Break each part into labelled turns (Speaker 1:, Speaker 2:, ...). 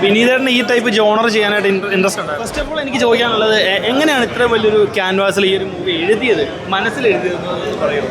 Speaker 1: വിനീതേട്ടന് ഈ type genre ചെയ്യാനായിട്ട് interest ഉണ്ട്. ഫസ്റ്റ് ഓഫ് ഓൾ എനിക്ക് ചോദിക്കാനുള്ളത്, എങ്ങനെയാണ് ഇത്ര വലിയൊരു ക്യാൻവാസിൽ ഈ ഒരു മൂവി എഴുതിയത്, മനസ്സിൽ എഴുതിയതെന്ന് പറയുമോ?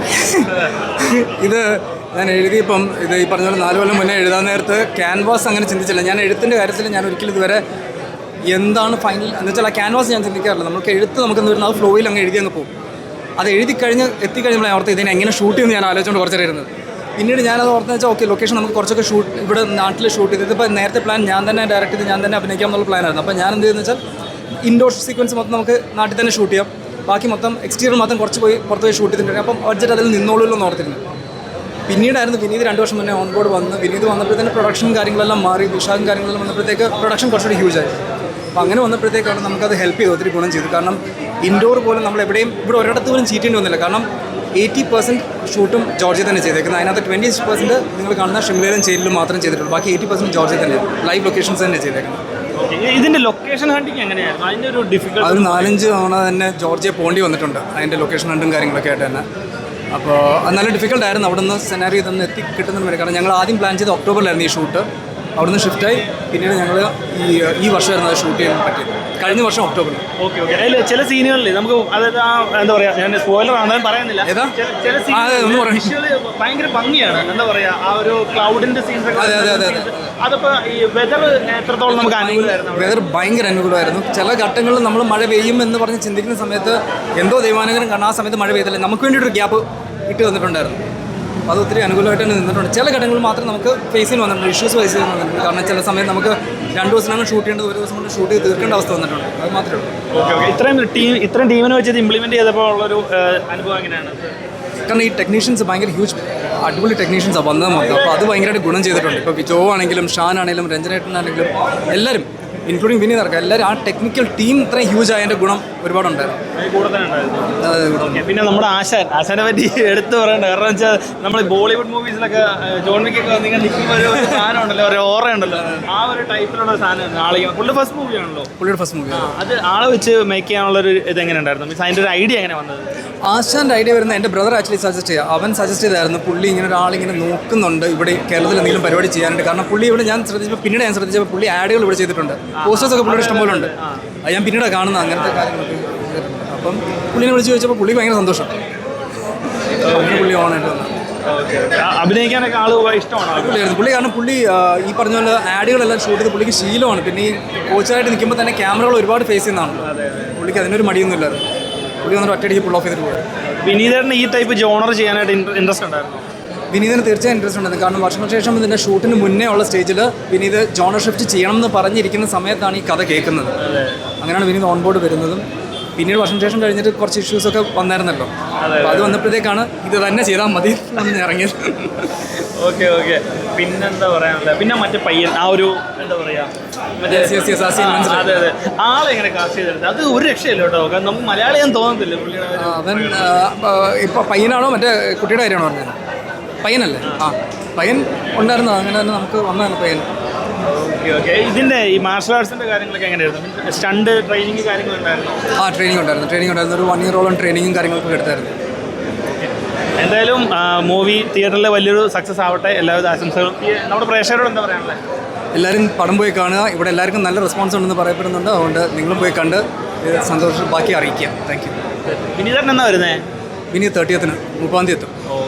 Speaker 2: ഇത് ഞാൻ എഴുതിയപ്പം ഇത് ഈ പറഞ്ഞ പോലെ 4 കൊല്ലം മുന്നേ എഴുതാൻ നേരത്ത് ക്യാൻവാസ് അങ്ങനെ ചിന്തിച്ചില്ല. ഞാൻ എഴുത്തിൻ്റെ കാര്യത്തിൽ ഞാൻ ഒരിക്കലും ഇതുവരെ എന്താണ് ഫൈനൽ എന്ന് വെച്ചാൽ ആ ക്യാൻവാസ് ഞാൻ ചിന്തിക്കാറില്ല. നമുക്ക് എഴുത്ത് നമുക്കെന്ന് വരുന്നത് ആ ഫ്ലോയിൽ അങ്ങ് എഴുതി അങ്ങ് പോകും. അത് എത്തിക്കഴിഞ്ഞപ്പോൾ ഓർത്ത് ഇതിനെ എങ്ങനെ ഷൂട്ട് ചെയ്യുമെന്ന് ഞാൻ ആലോചിച്ചുകൊണ്ട് കുറച്ചേരം ഇരുന്നത്. പിന്നീട് ഞാനത് ഓർത്ത് വെച്ചാൽ ഓക്കെ ലൊക്കേഷൻ നമുക്ക് കുറച്ചൊക്കെ ഇവിടെ നാട്ടിൽ ഷൂട്ട് ചെയ്ത് ഇതിപ്പോൾ നേരത്തെ പ്ലാൻ ഞാൻ തന്നെ ഡയറക്റ്റ് ചെയ്ത് ഞാൻ തന്നെ അഭിനയിക്കാം എന്നുള്ള പ്ലാനായിരുന്നു. അപ്പോൾ ഞാൻ എന്ത് ചെയ്തെന്ന് വെച്ചാൽ ഇൻഡോർ സീക്വൻസ് മൊത്തം നമുക്ക് നാട്ടിൽ തന്നെ ഷൂട്ട് ചെയ്യാം, ബാക്കി മൊത്തം എക്സ്റ്റീരിയർ മാത്രം കുറച്ച് പുറത്ത് പോയി ഷൂട്ട് ചെയ്തിട്ടുണ്ട്. അപ്പം ബഡ്ജറ്റ് അതിൽ നിന്നോളൂല്ലോ എന്ന് ഓർത്തിരുന്നു. പിന്നീടായിരുന്നു വിനീത് 2 വർഷം മുന്നേ ഓൺ ബോർഡ് വന്ന് വിനീത് വന്നപ്പോഴത്തേന് പ്രൊഡക്ഷൻ കാര്യങ്ങളെല്ലാം മാറി, വിഷാദം കാര്യങ്ങളെല്ലാം വന്നപ്പോഴത്തേക്ക് പ്രൊഡക്ഷൻ കുറച്ചുകൂടി ഹ്യൂജായി. അപ്പോൾ അങ്ങനെ വന്നപ്പോഴത്തേക്കാണ് നമുക്കത് ഹെൽപ്പ് ചെയ്ത് ഒത്തിരി ഗുണം ചെയ്തു. കാരണം ഇൻഡോർ പോലും നമ്മൾ എവിടെയും ഇവിടെ ഒരിടത്ത് പോലും ചീറ്റേണ്ടി വന്നില്ല. കാരണം 80% ഷൂട്ടും ജോർജിയ തന്നെ ചെയ്തേക്കുന്നത്. അതിനകത്ത് 20% നിങ്ങൾ കാണുന്ന ഷിംലയിലും ചേലിലും മാത്രം ചെയ്തിട്ടുള്ളൂ. ബാക്കി 80% ജോർജിയ തന്നെ ലൈവ് ലൊക്കേഷൻസ് തന്നെ ചെയ്തേക്കുന്നത്.
Speaker 1: ഇതിന്റെ ലൊക്കേഷൻ ഹണ്ടിങ് എങ്ങനെയായിരുന്നു? അതിന്റെ ഒരു ഡിഫിക്കൽട്ടി
Speaker 2: അത് 4-5 തവണ തന്നെ ജോർജിയ പോണ്ടി വന്നിട്ടുണ്ട് അതിൻ്റെ ലൊക്കേഷൻ ഹണ്ടും കാര്യങ്ങളൊക്കെ ആയിട്ട് തന്നെ. അപ്പോൾ അത് നല്ല ഡിഫിക്കൽട്ടായിരുന്നു അവിടെ നിന്ന് സെനാരി തന്നെ കിട്ടുന്നതിന് വരെ. കാരണം ഞങ്ങൾ ആദ്യം പ്ലാൻ ചെയ്ത് ഒക്ടോബറിലായിരുന്നു ഈ ഷൂട്ട്. അവിടുന്ന് ഷിഫ്റ്റായി പിന്നീട് ഞങ്ങൾ ഈ വർഷമായിരുന്നു അത് ഷൂട്ട് ചെയ്യാൻ പറ്റിയത്, കഴിഞ്ഞ വർഷം ഒക്ടോബറിൽ.
Speaker 1: Okay okay. അതിൽ ചില സീനുകളിൽ നമുക്ക് അതായത് എന്താ പറയുക, ഞാൻ സ്പോയിലർ ആണെന്ന് പറയുന്നില്ല, ചില വിഷ്വല് ഭയങ്കര ഭംഗിയാണ്. എന്താ പറയുക, ആ ഒരു ക്ലൗഡിന്റെ സീൻസ് അതിപ്പോൾ ഈ വെതർ എത്രത്തോളം നമുക്ക് അനുകൂലമായിരുന്നു?
Speaker 2: വെതർ ഭയങ്കര അനുകൂലമായിരുന്നു. ചില ഘട്ടങ്ങളിൽ നമ്മൾ മഴ പെയ്യും എന്ന് പറഞ്ഞ് ചിന്തിക്കുന്ന സമയത്ത് എന്തോ ദൈവാനുഗ്രഹം കാരണം ആ സമയത്ത് മഴ പെയ്തില്ല. നമുക്ക് വേണ്ടിയിട്ടൊരു ഗ്യാപ്പ് ഇട്ട് തന്നിട്ടുണ്ടായിരുന്നു. അത് ഒത്തിരി അനുകൂലമായിട്ട് തന്നെ നിന്നിട്ടുണ്ട്. ചില ഘട്ടങ്ങളിൽ മാത്രം നമുക്ക് ഫേസിന് വന്നിട്ടുണ്ട്, ഇഷ്യൂസ് ഫേസ് ചെയ്ത് വന്നിട്ടുണ്ട്. കാരണം ചില സമയത്ത് നമുക്ക് 2 ദിവസത്തിനാണ് ഷൂട്ട് ചെയ്യേണ്ടത്, 1 ദിവസം കൊണ്ട് ഷൂട്ട് ചെയ്ത് തീർക്കേണ്ട അവസ്ഥ വന്നിട്ടുണ്ട്. അത് മാത്രമേ ഉള്ളൂ.
Speaker 1: Okay okay. ഇത്രയും ടീമിനെ വെച്ചത് ഇംപ്ലിമെൻറ്റ് ചെയ്തപ്പോൾ ഉള്ളൊരു അനുഭവം എങ്ങനെയാണ്?
Speaker 2: കാരണം ഈ ടെക്നീഷ്യൻസ് ഭയങ്കര അടിപൊളി ടെക്നീഷ്യൻസാണ് വന്നത് മൊത്തം. അപ്പോൾ അത് ഭയങ്കരമായിട്ട് ഗുണം ചെയ്തിട്ടുണ്ട്. ഇപ്പോൾ ജോ ആണെങ്കിലും ഷാൻ ആണെങ്കിലും രഞ്ജനേട്ടനാണെങ്കിലും എല്ലാവരും ഇൻക്ലൂഡിങ് വിനീത് അടക്കം എല്ലാവരും ആ ടെക്നിക്കൽ ടീം ഇത്രയും ഹ്യൂജ് ആയതിൻ്റെ ഗുണം ഒരുപാടുണ്ടായിരുന്നു.
Speaker 1: പിന്നെ നമ്മുടെ ആശാനെ പറ്റി എടുത്തു പറയണ്ട. കാരണം വെച്ചാൽ നമ്മൾ ബോളിവുഡ് മൂവീസിലൊക്കെ ജോൺ വിക്കൊക്കെ വന്നിങ്ങനെ നിൽക്കുമ്പോൾ ഒരു സാധനം ഉണ്ടല്ലോ, ഒരു ഓറ ഉണ്ടല്ലോ, ആ ഒരു ടൈപ്പിലുള്ള സാധനം ആളെ പുള്ളിയുടെ ഫസ്റ്റ് മൂവിയാണല്ലോ.
Speaker 2: പുള്ളിയുടെ ഫസ്റ്റ് മൂവി
Speaker 1: അത് ആളെ വെച്ച് മേക്ക് ചെയ്യാനുള്ളൊരു ഇത് എങ്ങനെ ഉണ്ടായിരുന്നു? മീൻസ് അതിൻ്റെ ഒരു ഐഡിയ എങ്ങനെ വന്നത്?
Speaker 2: ആശാൻ്റെ ഐഡിയ വരുന്നത് എൻ്റെ ബ്രദർ ആക്ച്വലി സജസ്റ്റ് ചെയ്യുക. അവൻ സജസ്റ്റ് ചെയ്തായിരുന്നു പുള്ളി ഇങ്ങനെ ഒരാളിങ്ങനെ നോക്കുന്നുണ്ട് ഇവിടെ കേരളത്തിൽ എന്തെങ്കിലും പരിപാടി ചെയ്യാനായിട്ട്. കാരണം പുള്ളി ഇവിടെ ഞാൻ ശ്രദ്ധിച്ചപ്പോൾ പുള്ളി ആഡുകൾ ഇവിടെ ചെയ്തിട്ടുണ്ട്, പോസ്റ്റേഴ്സൊക്കെ പുള്ളിയുടെ ഇഷ്ടംപോലെ ഉണ്ട്. അത് ഞാൻ പിന്നീട് കാണുന്നത് അങ്ങനത്തെ കാര്യങ്ങളൊക്കെ. അപ്പം പുള്ളിനെ വിളിച്ച് ചോദിച്ചപ്പോൾ പുള്ളി ഭയങ്കര സന്തോഷം, പുള്ളി ഓണായിട്ട് വന്നു.
Speaker 1: അഭിനയിക്കാനൊക്കെ ആൾ ഇഷ്ടമാണ്
Speaker 2: പുള്ളി. കാരണം പുള്ളി ഈ പറഞ്ഞ പോലെ ആഡുകളെല്ലാം ഷൂട്ട് ചെയ്ത് പുള്ളിക്ക് ശീലമാണ്. പിന്നെ ഈ കോച്ചായിട്ട് നിൽക്കുമ്പോൾ തന്നെ ക്യാമറകൾ ഒരുപാട് ഫേസ് ചെയ്യുന്നതാണ്. പുള്ളിക്ക് അതിനൊരു മടിയൊന്നുമില്ലായിരുന്നു. പുള്ളി വന്നിട്ട് ഒറ്റയടിക്ക് പുൾ ഓഫ് ചെയ്തിട്ട് പോയി.
Speaker 1: വിനീതേട്ടന് ഈ ടൈപ്പ് ജോണർ ചെയ്യാനായിട്ട് ഇൻട്രസ്റ്റ് ഉണ്ടായിരുന്നു?
Speaker 2: വിനീതിന് തീർച്ചയായും ഇൻട്രസ്റ്റ് ഉണ്ടായിരുന്നു. കാരണം വർഷങ്ങൾക്ക് ശേഷം ഇതിൻ്റെ ഷൂട്ടിന് മുന്നേ ഉള്ള സ്റ്റേജിൽ വിനീത് ജോണർ ഷിഫ്റ്റ് ചെയ്യണം എന്ന് പറഞ്ഞിരിക്കുന്ന സമയത്താണ് ഈ കഥ കേൾക്കുന്നത്. അങ്ങനെയാണ് വിനീത് ഓൺ ബോർഡ് വരുന്നതും. പിന്നീട് വർഷം ശേഷം കഴിഞ്ഞിട്ട് കുറച്ച് ഇഷ്യൂസൊക്കെ വന്നായിരുന്നല്ലോ. അപ്പോൾ അത് വന്നപ്പോഴത്തേക്കാണ് ഇത് തന്നെ ചെയ്താൽ മതി എന്ന് ഇറങ്ങിയത്.
Speaker 1: Okay okay. പിന്നെന്താ പറയാനുള്ളത്? പിന്നെ മറ്റേ പയ്യൻ ആ ഒരു എന്താ പറയുക, അതെ അതെ, ആളെങ്ങനെ കാസ്റ്റ് ചെയ്തെടുത്തത് അത് ഒരു രക്ഷയില്ല കേട്ടോ. നമുക്ക് മലയാളിയാൻ തോന്നത്തില്ല പുള്ളിയുടെ.
Speaker 2: അവൻ ഇപ്പോൾ പയ്യനാണോ മറ്റേ കുട്ടിയുടെ കാര്യമാണോ പറഞ്ഞത്? പയ്യനല്ലേ? പയ്യൻ ഉണ്ടായിരുന്നു. അങ്ങനെ തന്നെ നമുക്ക് വന്നതാണ് പയ്യൻ.
Speaker 1: Okay okay. ഇതിൻ്റെ ഈ മാർഷൽ ആർട്സിൻ്റെ കാര്യങ്ങളൊക്കെ എങ്ങനെയായിരുന്നു? Stunt training കാര്യങ്ങളുണ്ടായിരുന്നു?
Speaker 2: ട്രെയിനിങ് ഉണ്ടായിരുന്നു. ഒരു 1 ഇയറോളം ട്രെയിനിങ്ങും കാര്യങ്ങളൊക്കെ എടുത്തായിരുന്നു.
Speaker 1: എന്തായാലും മൂവി തിയേറ്ററിൽ വലിയൊരു സക്സസ് ആവട്ടെ, എല്ലാവിധ ആശംസകളും. നമ്മുടെ പ്രേക്ഷകരോട് എന്താ പറയാനുള്ളത്?
Speaker 2: എല്ലാവരും പടം പോയി കാണുക. ഇവിടെ എല്ലാവർക്കും നല്ല റെസ്പോൺസ് ഉണ്ടെന്ന് പറയപ്പെടുന്നുണ്ട്. അതുകൊണ്ട് നിങ്ങളും പോയി കണ്ട് സന്തോഷം ബാക്കി അറിയിക്കുക. Thank you.
Speaker 1: വിനീതേട്ടൻ എന്നാ വരുന്നത്?
Speaker 2: വിനീത് 30th 30 എത്തും.